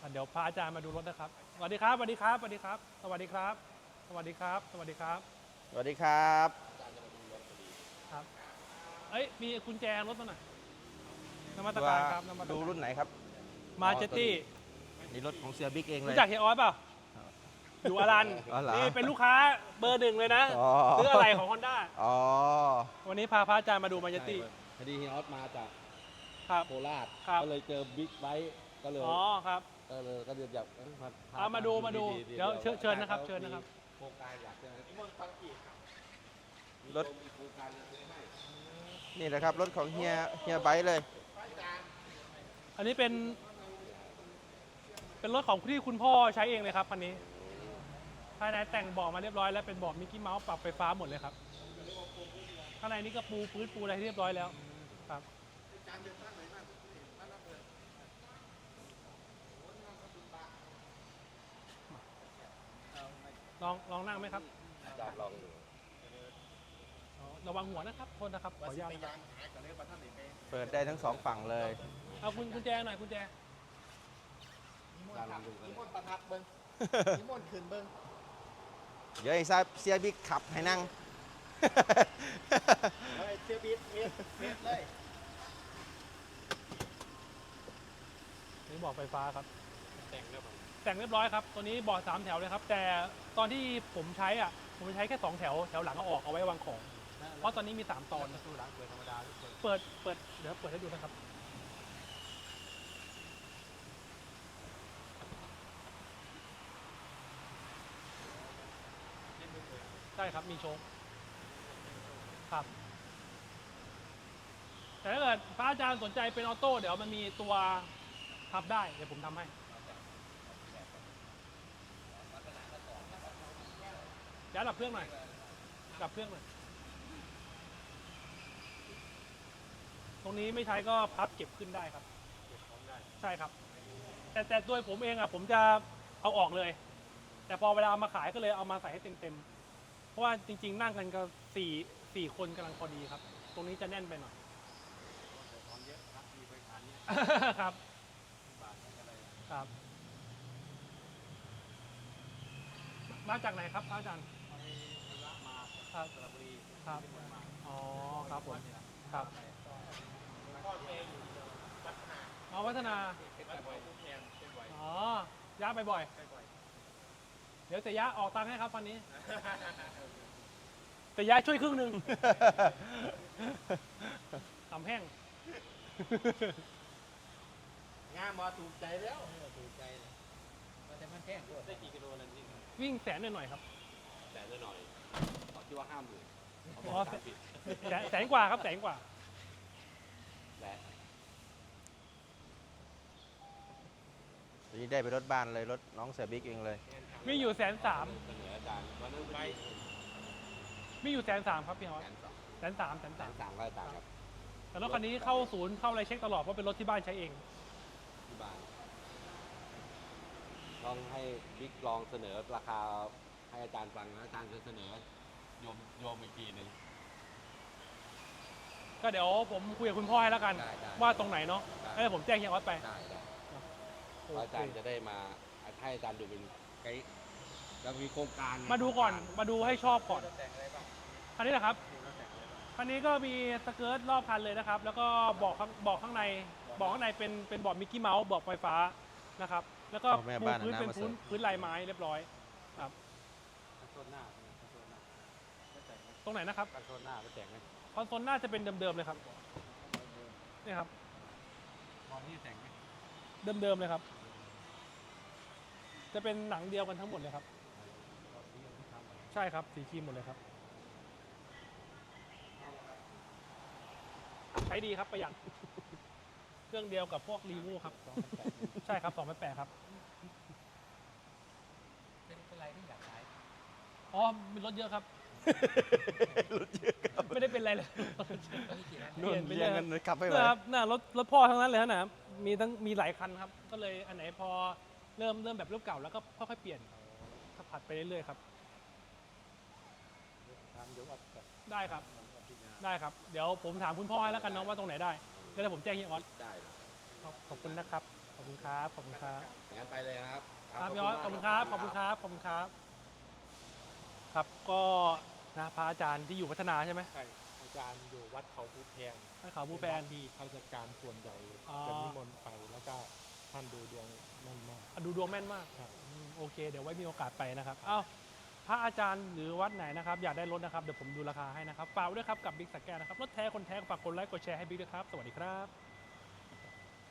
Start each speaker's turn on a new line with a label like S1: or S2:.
S1: เดี๋ยวพาอาจารย์มาดูรถนะครับสวัสดีครับสวัสดีครับสวัสดีครับสวัสดีครับสวัสดีครับสวัสดีครับ
S2: สวัสดีครับ
S1: ครับเอ้ยมีกุญแจรถมาหน่อยนมัสการครับนมัสการ
S2: ดูรุ่นไหนครับ
S1: มาเจตตี้
S2: นี่รถของเสียบิ๊กเองเลย
S1: รู้จักเฮียออสเปล่าอยู่อารัน
S2: อ๋อเหรอ
S1: นี่เป็นลูกค้าเบอร์หนึ่งเลยนะ
S2: อ๋อ
S1: ซื้ออะไรของฮอนด้า
S2: อ๋อ
S1: วันนี้พาพระอาจารย์มาดูมาเจตตี้
S3: พอดีเฮียออสมาจาก
S1: ครับ
S3: โคราช
S1: ครับ
S3: ก็เลยเจอบิ๊กไบค์ก็เลย
S1: อ๋อครับ
S3: ก็เลยอยาก
S1: เอามาดูเดี๋ยวเชิญนะครับเชิญนะครับ
S3: โครงการอยากจะนิมนต์ฟังอีกครับ
S2: รถ
S3: มีโครงการจะซื้อให้
S2: นี่นะครับรถของเฮียไบค์เลย
S1: อันนี้เป็นรถของที่คุณพ่อใช้เองเลยครับคันนี้ภายในแต่งเบาะมาเรียบร้อยแล้วเป็นเบาะมิกกี้เมาส์ปรับไฟฟ้าหมดเลยครับข้างในนี้ก็ปูพื้นปูอะไรเรียบร้อยแล้วครับลองนั่งไหมครับ
S3: อยากลองดู
S1: ระวังหัวนะครับโทษนะครับขออนุญาตนะครับ
S2: เปิดได้ทั้งสองฝั่งเลย
S1: เอากุญแจหน่อยกุญแจ
S3: การลองดูกัน
S4: นิมนต์ประทับเบิ้งนิมนต์ขึ้นเบิ้ง
S2: เดี๋ยวไอ้เสียบิ๊กขับให้นั่ง
S4: เฮ้ยเสียบีดเม็ดเลย
S1: นี่เบาะไฟฟ้าครับแต่งเรียบร้อยครับตัวนี้เบาะ3แถวเลยครับแต่ตอนที่ผมใช้อ่ะผมใช้แค่2แถวหลังเอาไว้วางของเพราะตอนนี้มี3ตอนประตูหลังเปิดธรรมดาเปิดเดี๋ยวเปิดให้ดูนะครับใช่ครับมีโชคครับแต่ถ้าเกิดพระอาจารย์สนใจเป็นออโต้เดี๋ยวมันมีตัวพับได้เดี๋ยวผมทำให้ย้ายดับเครื่องหน่อยดับเครื่องหน่อยตรงนี้ไม่ใช้ก็พับเก็บขึ้นได้ครับใช่ครับแต่โดยผมเองอ่ะผมจะเอาออกเลย แต่พอเวลาเอามาขายก็เลยเอามาใส่ให้เต็มๆเพราะว่าจริงๆนั่งกันก็สี่คนกำลังพอดีครับ ตรงนี้จะแน่นไปหน่อยครับครับมาจากไหนครับพระอาจารย์ครับครับอ๋อครับผมครับเอาวัฒนาอ๋อย่าไปบ่อยเดี๋ยวแต่ย่าออกตังค์ให้ครับวันนี้ แต่ย่าช่วยครึ่งหนึ่งตำแห้ง
S4: งามมาถูกใจแล้วถูกใจเลยมาแต่มันแพงด้วย
S3: ได้กี่กิโลแล้วจริง
S1: วิ่งแสนหน่อยๆครับ
S3: แต่หน่อยเขาคิดว่า50,000
S1: อ๋อแสนกว่าครับแสนกว่า
S3: และ
S2: ตัวนี้ได้ไปรถบ้านเลยรถน้องเสียบิ๊กเองเลย
S1: มีอยู่130,000
S3: เสนออาจารย์วันนั้นไป
S1: มีอยู่130,000ครับพี่ฮอต 130,000
S3: 130,000ก็อาจารย์ครับ
S1: แต่รถคันนี้เข้าศูนย์เข้าอะไรเช็คตลอดเพราะเป็นรถที่บ้านใช้เอง
S3: ที่บ้านลองให้บิ๊กลองเสนอราคาให้อาจารย์ฟังนะอาจารย์จะเสนอโยมอีกทีหนึ่ง
S1: ก็เดี๋ยวผมคุยกับคุณพ่อให้แล้วกัน
S3: ได้
S1: ว่าตรงไหนเนาะ
S3: ได้
S1: ให้ผมแจ้งเฮียออสไป
S3: ได้
S1: โอ
S3: อา
S1: เค
S3: จารย์จะได้มาให้อาจารย์ดูเป็นไกด์แล้วมีโครงการ
S1: มาดูก่อนมาดูให้ชอบก่อน
S4: แต่งอะไรบ้าง
S1: คันนี้แหละครับคันนี้ก็มีสเกิร์ตรอบคันเลยนะครับ แล้วก็เบอกข้างในเป็นเบาะมิกกี้เมาส์เบาะไฟฟ้านะครับ แล้วก็
S2: เอาแม่
S1: ปู
S2: บ้าน
S1: พื้น
S2: เอา
S1: เป็น
S2: น้ำมาเสิร์ฟ
S1: พื้นลายไม้เรียบร้อยครับ
S3: โซนหน้า
S1: ตรงไหนนะครับ
S3: โซนหน้าไปแต่งไหม
S1: คอนโซลน่าจะเป็นเดิมๆเลยครับนี่ครับ
S3: ตอนที่แต่งไหม
S1: เดิมๆเลยครับ จะเป็นหนังเดียวกันทั้งหมดเลยครับ ใช่ครับสีครีมหมดเลยครับ ใช้ดีครับประหยัด เครื่องเดียวกับพวกรีวูครับ ใช่ครับ2,800ครับ
S4: เป็นไรที่อยากขาย
S1: อ๋อมีรถเยอะครับ ไม่ได้เป็นไรเลย
S2: นู่น
S1: ไป
S2: เรียงกันขับไม่ไหว
S1: นะครับน่ารถพ่อทั้งนั้นเลยนะมีหลายคันครับ ก็เลยอันไหนพอเริ่มแบบรุ่นเก่าแล้วก็ค่อยๆเปลี่ยนผัดไปเรื่อยๆครับ
S3: ทำยกอัดกับ
S1: ได้ครับ ได้ครับ เดี๋ยวผมถามคุณพ่อให้แล้วกันเนาะว่าตรงไหนได้แล้วเดี๋ยวผมแจ้งเฮียออส
S3: ได้
S1: ขอบคุณนะครับขอบคุณครับขอบคุณครับ
S3: งั้นไปเลยครับ
S1: ครับพี่ออสขอบคุณครับขอบคุณครับขอบคุณครับครับก็นะพระอาจารย์ที่อยู่พัฒนาใช่ไหม
S5: ใช่อาจารย์อยู่วัดเขาภูแพง
S1: ให้เขาผู้แฟน
S5: เป็วัดที่ข้าราชการส่วนใหญ่
S1: อ๋อ
S5: จะนิมนต์ไปแล้วก็ท่านดูดวงนั่นมาก
S1: ดูดวงแม่นมาก
S5: ครับ
S1: โอเคเดี๋ยวไว้มีโอกาสไปนะครับอ้าวพระอาจารย์หรือวัดไหนนะครับอยากได้รถนะครับเดี๋ยวผมดูราคาให้นะครับฝากไว้ด้วยครับกับบิ๊กสแกนนะครับรถแท้คนแท้ฝากกดไลค์กดแชร์ให้บิ๊กด้วยครับสวัสดีครับ